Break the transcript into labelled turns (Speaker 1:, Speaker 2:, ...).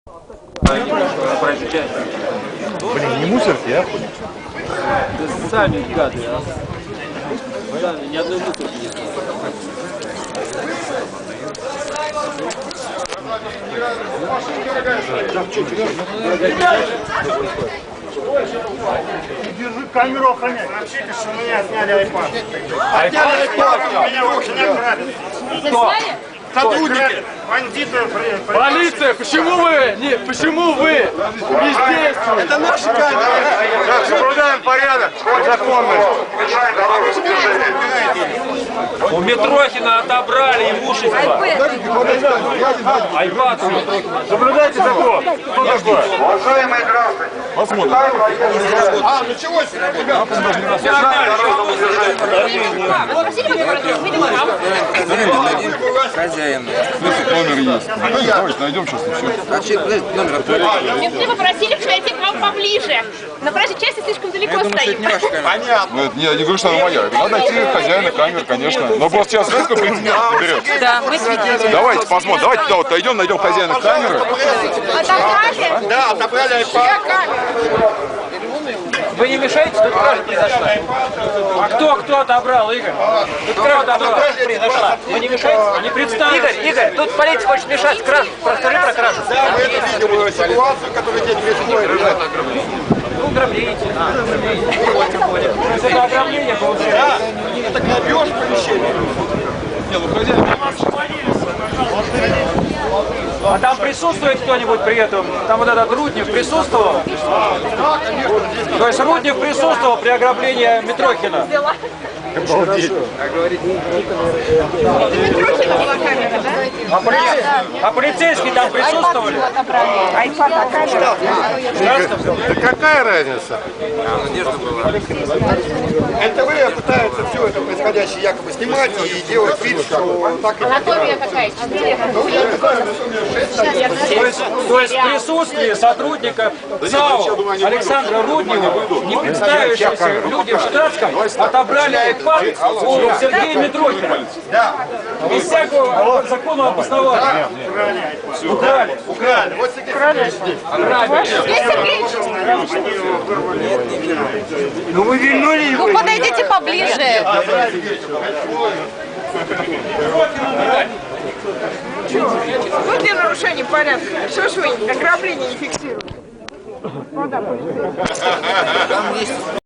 Speaker 1: Блин, не мусорки, а?
Speaker 2: Да сами гады, а. Сами, ни одной мусорки нет.
Speaker 1: Держи камеру, охраняй.
Speaker 3: Сообщите, что меня сняли iPad.
Speaker 1: Отняли iPad.
Speaker 3: Меня руки не грабят.
Speaker 2: Кто?
Speaker 3: Сотрудники. Бандиты.
Speaker 2: Полиция, почему вы бездействуете?
Speaker 3: Это наши камеры.
Speaker 1: Так, соблюдаем порядок, законность.
Speaker 2: У Митрохина отобрали имущество. Айпад.
Speaker 1: Соблюдайте закон. Кто такой?
Speaker 3: Уважаемые граждане.
Speaker 1: Посмотрим.
Speaker 3: А, началось,
Speaker 4: Хозяин.
Speaker 1: Номер есть. Давайте найдем сейчас еще.
Speaker 4: Номер
Speaker 5: Мне попросили подойти к вам поближе. На проезжей части слишком далеко стоим.
Speaker 3: Понятно.
Speaker 1: Нет, я не говорю, что она моя. Надо найти хозяина камер, конечно. Но просто сейчас знаете, сколько прецедентов берется?
Speaker 5: Да, мы свидетели.
Speaker 1: Давайте посмотрим. Давайте туда вот дойдем, найдем хозяина камеры.
Speaker 5: Отобрали?
Speaker 3: Да, отобрали iPad.
Speaker 2: Вы не мешаете, тут кража произошла. А кто отобрал, Игорь? Тут кража произошла. Вы не мешаете? Не представите. Игорь, тут полиция хочет мешать кражу. Расскажи про кражу.
Speaker 3: Да, мы это видим ситуацию, которую день происходит.
Speaker 2: Ну, ограбление. Это ограбление получается.
Speaker 3: Это грабеж помещения.
Speaker 2: А там присутствует кто-нибудь при этом? Там вот этот Руднев присутствовал? То есть Руднев присутствовал при ограблении Митрохина? А полицейские там присутствовали?
Speaker 1: Да какая разница?
Speaker 3: НТВ пытаются все это происходящее якобы снимать и делать вид, что так и
Speaker 5: Анатомия какая?
Speaker 2: То есть в присутствии сотрудников ЦАО Александра Руднева, не представившиеся люди в штатском, отобрали iPad у Сергея Митрохина. Без всякого законного обоснования. Украли.
Speaker 3: Вот
Speaker 1: Ну вы вильнули его.
Speaker 5: Ну, подойдите поближе.
Speaker 6: Ну, где нарушение порядка? Что ж вы ограбление не фиксируете?